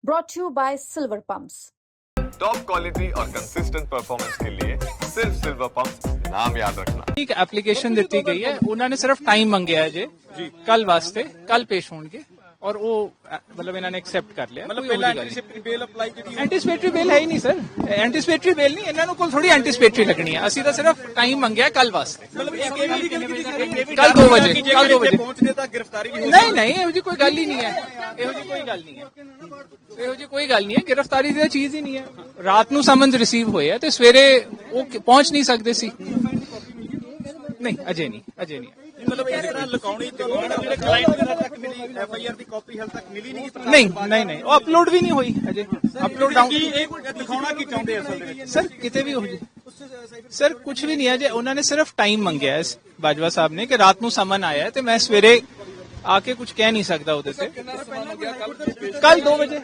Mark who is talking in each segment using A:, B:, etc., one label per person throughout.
A: brought to you by Silver Pumps.
B: Top quality और consistent performance के लिए सिर्फ सिल्वर पंप नाम याद रखना।
C: एक एप्लीकेशन ਦਿੱਤੀ ਗਈ ਹੈ ਉਹਨਾਂ ਨੇ ਸਿਰਫ ਟਾਈਮ ਮੰਗਿਆ ਹੈ ਜੀ ਕੱਲ ਵਾਸਤੇ ਕੱਲ ਪੇਸ਼ ਹੋਣਗੇ ਔਰ ਉਹ ਮਤਲਬ ਇਹਨਾਂ ਨੇ ਐਕਸੈਪਟ ਕਰ ਲਿਆ
D: ਮਤਲਬ ਪਹਿਲਾਂ ਐਂਟੀਸਿਪੇਟਰੀ ਬੇਲ ਅਪਲਾਈ ਕੀਤੀ
C: ਐਂਟੀਸਿਪੇਟਰੀ ਬੇਲ ਹੈ ਹੀ ਨਹੀਂ ਸਰ ਐਂਟੀਸਿਪੇਟਰੀ ਬੇਲ ਨਹੀਂ ਇਹਨਾਂ ਨੂੰ ਕੋਲ ਥੋੜੀ ਐਂਟੀਸਿਪੇਟਰੀ ਲੱਗਣੀ ਹੈ ਅਸੀਂ ਤਾਂ ਸਿਰਫ ਟਾਈਮ ਮੰਗਿਆ ਕੱਲ ਵਾਸਤੇ
D: ਮਤਲਬ ਇਹ ਵੀ
C: ਕੱਲ 2 ਵਜੇ ਕੱਲ 2 ਵਜੇ
D: ਪਹੁੰਚਦੇ ਤਾਂ ਗ੍ਰਿਫਤਾਰੀ ਵੀ ਹੋ
C: ਨਹੀਂ ਨਹੀਂ ਇਹੋ ਜੀ ਕੋਈ ਗੱਲ ਹੀ ਨਹੀਂ ਹੈ ਇਹੋ ਜੀ ਕੋਈ ਗੱਲ ਨਹੀਂ ਹੈ ਇਹੋ ਜੀ ਕੋਈ ਗੱਲ ਨਹੀਂ ਹੈ ਗ੍ਰਿਫਤਾਰੀ ਦੀ ਚੀਜ਼ ਹੀ ਨਹੀਂ ਹੈ ਰਾਤ ਨੂੰ ਸਮਨਸ ਰਿਸੀਵ ਹੋਏ ਆ ਤੇ ਸਵੇਰੇ ਉਹ ਪਹੁੰਚ ਨਹੀਂ ਸਕਦੇ ਸੀ ਨਹੀਂ ਅਜੇ ਨਹੀਂ
D: ਮਤਲਬ ਇਸ ਤਰ੍ਹਾਂ ਲਕਾਉਣੀ ਤੇ ਜਿਹੜੇ ਕਲਾਇੰਟ ਦੇ ਤੱਕ ਮਿਲੀ ਐਫਆਈਆਰ ਦੀ ਕਾਪੀ ਹਾਲ ਤੱਕ ਮਿਲੀ
C: ਨਹੀਂ ਉਹ ਅਪਲੋਡ ਵੀ ਨਹੀਂ ਹੋਈ ਅਜੇ ਅਪਲੋਡ ਡਾਊਨ
D: ਕੀ ਇਹ ਦਿਖਾਉਣਾ ਕੀ ਚਾਹੁੰਦੇ ਅਸਲ ਦੇ ਵਿੱਚ
C: ਸਰ ਕਿਤੇ ਵੀ ਹੋ ਜੇ ਸਰ ਕੁਝ ਵੀ ਨਹੀਂ ਹੈ ਜੇ ਉਹਨਾਂ ਨੇ ਸਿਰਫ ਟਾਈਮ ਮੰਗਿਆ ਹੈ ਬਾਜਵਾ ਸਾਹਿਬ ਨੇ ਕਿ ਰਾਤ ਨੂੰ ਸਮਨ ਆਇਆ ਹੈ ਤੇ ਮੈਂ ਸਵੇਰੇ आके कुछ कह नहीं सकता उधर से कल 2 बजे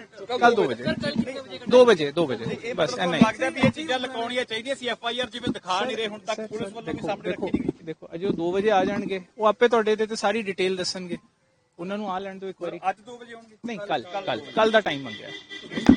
C: 2 बजे बस ऐसा ही
D: ਲੱਗਦਾ ਵੀ ਇਹ ਚੀਜ਼ਾਂ ਲਕਾਉਣੀਆਂ ਚਾਹੀਦੀਆਂ ਸੀ ਐਫਆਈਆਰ ਜਿਵੇਂ ਦਿਖਾ ਨਹੀਂ ਰਹੇ ਹੁਣ ਤੱਕ ਪੁਲਿਸ ਵੱਲੋਂ ਵੀ ਸਾਹਮਣੇ ਰੱਖੀ ਨਹੀਂ ਗਈ
C: ਦੇਖੋ ਅਜੇ 2 ਵਜੇ ਆ ਜਾਣਗੇ ਉਹ ਆਪੇ ਤੁਹਾਡੇ ਤੇ ਸਾਰੀ ਡਿਟੇਲ ਦੱਸਣਗੇ ਉਹਨਾਂ ਨੂੰ ਆ ਲੈਣ ਦਿਓ ਇੱਕ ਵਾਰੀ
D: ਅੱਜ 2 ਵਜੇ ਆਉਣਗੇ
C: ਨਹੀਂ ਕੱਲ ਦਾ ਟਾਈਮ ਮੰਗਿਆ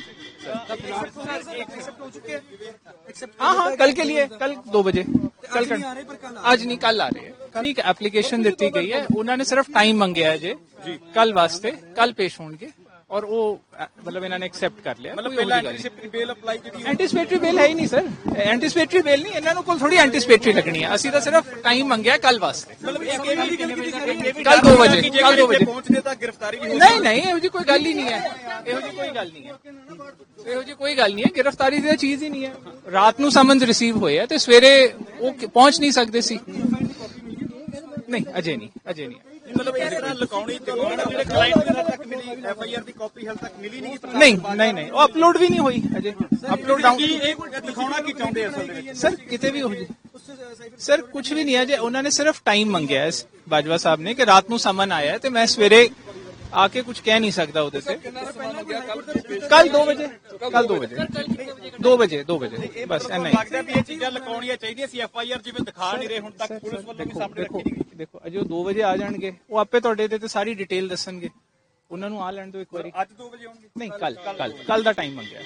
C: हाँ कल के लिए कल 2 बजे कल आज नहीं कल आ रहे हैं एक एप्लीकेशन ਦਿੱਤੀ ਗਈ ਹੈ ਉਹਨਾਂ ਨੇ ਸਿਰਫ ਟਾਈਮ ਮੰਗਿਆ ਹੈ ਜੀ ਕੱਲ ਵਾਸਤੇ ਕੱਲ ਪੇਸ਼ ਹੋਣਗੇ ਔਰ ਉਹ ਮਤਲਬ ਇਹਨਾਂ ਨੇ ਐਕਸੈਪਟ ਕਰ ਲਿਆ
D: ਮਤਲਬ ਪਹਿਲਾਂ ਐਂਟੀਸਿਪੇਟਰੀ ਬੇਲ ਅਪਲਾਈ ਕੀਤੀ
C: ਐਂਟੀਸਿਪੇਟਰੀ ਬੇਲ ਹੈ ਹੀ ਨਹੀਂ ਸਰ ਐਂਟੀਸਿਪੇਟਰੀ ਬੇਲ ਨਹੀਂ ਇਹਨਾਂ ਨੂੰ ਕੋਲ ਥੋੜੀ ਐਂਟੀਸਿਪੇਟਰੀ ਲੱਗਣੀ ਹੈ ਅਸੀਂ ਤਾਂ ਸਿਰਫ ਟਾਈਮ ਮੰਗਿਆ ਕੱਲ ਵਾਸਤੇ
D: ਮਤਲਬ ਇਹ ਵੀ
C: ਕੱਲ 2 ਵਜੇ
D: ਪਹੁੰਚਦੇ ਤਾਂ ਗ੍ਰਿਫਤਾਰੀ ਵੀ ਹੋ
C: ਨਹੀਂ ਇਹੋ ਜੀ ਕੋਈ ਗੱਲ ਹੀ ਨਹੀਂ ਹੈ ਇਹੋ ਜੀ ਕੋਈ ਗੱਲ ਨਹੀਂ ਹੈ ਗ੍ਰਿਫਤਾਰੀ ਦੀ ਚੀਜ਼ ਹੀ ਨਹੀਂ ਹੈ ਰਾਤ ਨੂੰ ਸਮਨਸ ਰਿਸੀਵ ਹੋਏ ਆ ਤੇ ਸਵੇਰੇ ਉਹ ਪਹੁੰਚ ਨਹੀਂ ਸਕਦੇ ਸੀ ਨਹੀਂ ਅਜੇ ਨਹੀਂ
D: ਮਤਲਬ ਇਸ ਤਰ੍ਹਾਂ ਲਕਾਉਣੀ ਤੇ ਜਿਹੜੇ ਕਲਾਇੰਟ ਦੇ ਤੱਕ ਮਿਲੀ ਐਫਆਈਆਰ ਦੀ ਕਾਪੀ ਹਾਲ ਤੱਕ ਮਿਲੀ ਨਹੀਂ
C: ਉਹ ਅਪਲੋਡ ਵੀ ਨਹੀਂ ਹੋਈ ਅਜੇ ਅਪਲੋਡ ਡਾਊਨ
D: ਕੀ ਇਹ ਦਿਖਾਉਣਾ ਕੀ ਚਾਹੁੰਦੇ ਅਸਲ ਦੇ ਵਿੱਚ
C: ਸਰ ਕਿਤੇ ਵੀ ਹੋ ਜੇ ਸਰ ਕੁਝ ਵੀ ਨਹੀਂ ਹੈ ਜੇ ਉਹਨਾਂ ਨੇ ਸਿਰਫ ਟਾਈਮ ਮੰਗਿਆ ਹੈ ਬਾਜਵਾ ਸਾਹਿਬ ਨੇ ਕਿ ਰਾਤ ਨੂੰ ਸਮਨ ਆਇਆ ਹੈ ਤੇ ਮੈਂ ਸਵੇਰੇ आके कुछ कह नहीं सकता उधर से कल 2 बजे 2 बजे बस ऐसा ही
D: ਲੱਗਦਾ ਵੀ ਇਹ ਚੀਜ਼ਾਂ ਲਕਾਉਣੀਆਂ ਚਾਹੀਦੀਆਂ ਸੀ ਐਫਆਈਆਰ ਜਿਵੇਂ ਦਿਖਾ ਨਹੀਂ ਰਹੇ ਹੁਣ ਤੱਕ ਪੁਲਿਸ ਵੱਲੋਂ ਵੀ ਸਾਹਮਣੇ ਰੱਖੀ ਨਹੀਂ ਗਈ
C: ਦੇਖੋ ਅਜੇ 2 ਵਜੇ ਆ ਜਾਣਗੇ ਉਹ ਆਪੇ ਤੁਹਾਡੇ ਤੇ ਸਾਰੀ ਡਿਟੇਲ ਦੱਸਣਗੇ ਉਹਨਾਂ ਨੂੰ ਆ ਲੈਣ ਦਿਓ ਇੱਕ ਵਾਰੀ
D: ਅੱਜ 2 ਵਜੇ ਆਉਣਗੇ
C: ਨਹੀਂ ਕੱਲ ਦਾ ਟਾਈਮ ਮੰਗਿਆ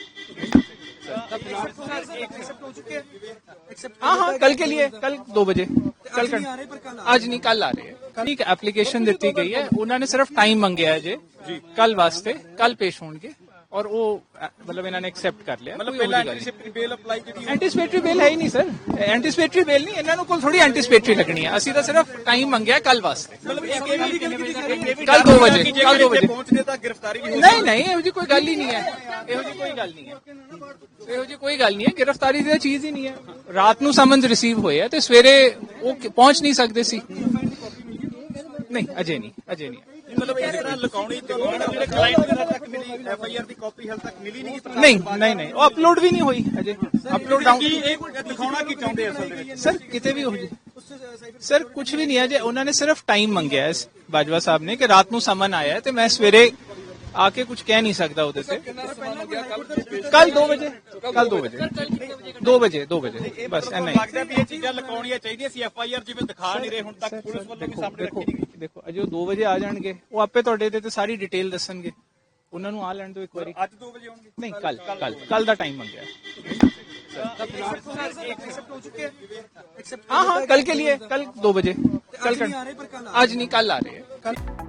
C: हाँ कल के लिए कल 2 बजे कल आज नहीं कल आ रहे हैं एक एप्लीकेशन ਦਿੱਤੀ ਗਈ ਹੈ ਉਹਨਾਂ ਨੇ ਸਿਰਫ ਟਾਈਮ ਮੰਗਿਆ ਹੈ ਜੀ ਕੱਲ ਵਾਸਤੇ ਕੱਲ ਪੇਸ਼ ਹੋਣਗੇ ਔਰ ਉਹ ਮਤਲਬ ਇਹਨਾਂ ਨੇ ਐਕਸੈਪਟ ਕਰ ਲਿਆ
D: ਮਤਲਬ ਪਹਿਲਾਂ ਐਂਟੀਸਿਪੇਟਰੀ ਬੇਲ ਅਪਲਾਈ ਕੀਤੀ
C: ਐਂਟੀਸਿਪੇਟਰੀ ਬੇਲ ਹੈ ਹੀ ਨਹੀਂ ਸਰ ਐਂਟੀਸਿਪੇਟਰੀ ਬੇਲ ਨਹੀਂ ਇਹਨਾਂ ਨੂੰ ਕੋਲ ਥੋੜੀ ਐਂਟੀਸਿਪੇਟਰੀ ਲੱਗਣੀ ਹੈ ਅਸੀਂ ਤਾਂ ਸਿਰਫ ਟਾਈਮ ਮੰਗਿਆ ਕੱਲ ਵਾਸਤੇ
D: ਮਤਲਬ ਇਹ ਵੀ
C: ਕੱਲ 2 ਵਜੇ
D: ਪਹੁੰਚਦੇ ਤਾਂ ਗ੍ਰਿਫਤਾਰੀ ਵੀ ਹੋ
C: ਨਹੀਂ ਇਹੋ ਜੀ ਕੋਈ ਗੱਲ ਹੀ ਨਹੀਂ ਹੈ ਇਹੋ ਜੀ ਕੋਈ ਗੱਲ ਨਹੀਂ ਹੈ ਗ੍ਰਿਫਤਾਰੀ ਦੀ ਚੀਜ਼ ਹੀ ਨਹੀਂ ਹੈ ਰਾਤ ਨੂੰ ਸਮਨਸ ਰਿਸੀਵ ਹੋਏ ਆ ਤੇ ਸਵੇਰੇ ਉਹ ਪਹੁੰਚ ਨਹੀਂ ਸਕਦੇ ਸੀ ਨਹੀਂ ਅਜੇ ਨਹੀਂ
D: ਮਤਲਬ ਇਸ ਤਰ੍ਹਾਂ ਲਕਾਉਣੀ ਤੇ ਜਿਹੜੇ ਕਲਾਇੰਟ ਦੇ ਤੱਕ ਮਿਲੀ ਐਫਆਈਆਰ ਦੀ ਕਾਪੀ ਹਾਲ ਤੱਕ ਮਿਲੀ ਨਹੀਂ ਉਹ ਅਪਲੋਡ ਵੀ ਨਹੀਂ ਹੋਈ ਅਜੇ ਅਪਲੋਡ ਡਾਊਨ ਕੀ ਇਹ ਦਿਖਾਉਣਾ ਕੀ ਚਾਹੁੰਦੇ ਅਸਲ ਦੇ ਵਿੱਚ
C: ਸਰ ਕਿਤੇ ਵੀ ਹੋ ਜੇ ਸਰ ਕੁਝ ਵੀ ਨਹੀਂ ਹੈ ਜੇ ਉਹਨਾਂ ਨੇ ਸਿਰਫ ਟਾਈਮ ਮੰਗਿਆ ਹੈ ਬਾਜਵਾ ਸਾਹਿਬ ਨੇ ਕਿ ਰਾਤ ਨੂੰ ਸਮਨ ਆਇਆ ਹੈ ਤੇ ਮੈਂ ਸਵੇਰੇ आके कुछ कह नहीं सकता उधर से कल 2 बजे बस ऐसा ही
D: ਲੱਗਦਾ ਵੀ ਇਹ ਚੀਜ਼ਾਂ ਲਕਾਉਣੀਆਂ ਚਾਹੀਦੀਆਂ ਸੀ ਐਫਆਈਆਰ ਜਿਵੇਂ ਦਿਖਾ ਨਹੀਂ ਰਹੇ ਹੁਣ ਤੱਕ ਪੁਲਿਸ ਵੱਲੋਂ ਵੀ ਸਾਹਮਣੇ ਰੱਖੀ ਨਹੀਂ ਗਈ
C: ਦੇਖੋ ਅਜੇ 2 ਵਜੇ ਆ ਜਾਣਗੇ ਉਹ ਆਪੇ ਤੁਹਾਡੇ ਤੇ ਸਾਰੀ ਡਿਟੇਲ ਦੱਸਣਗੇ ਉਹਨਾਂ ਨੂੰ ਆ ਲੈਣ ਦਿਓ ਇੱਕ ਵਾਰੀ
D: ਅੱਜ 2 ਵਜੇ ਆਉਣਗੇ
C: ਨਹੀਂ ਕੱਲ ਦਾ ਟਾਈਮ ਮੰਗਿਆ हाँ कल के लिए कल 2 बजे आज नहीं कल आ रहे हैं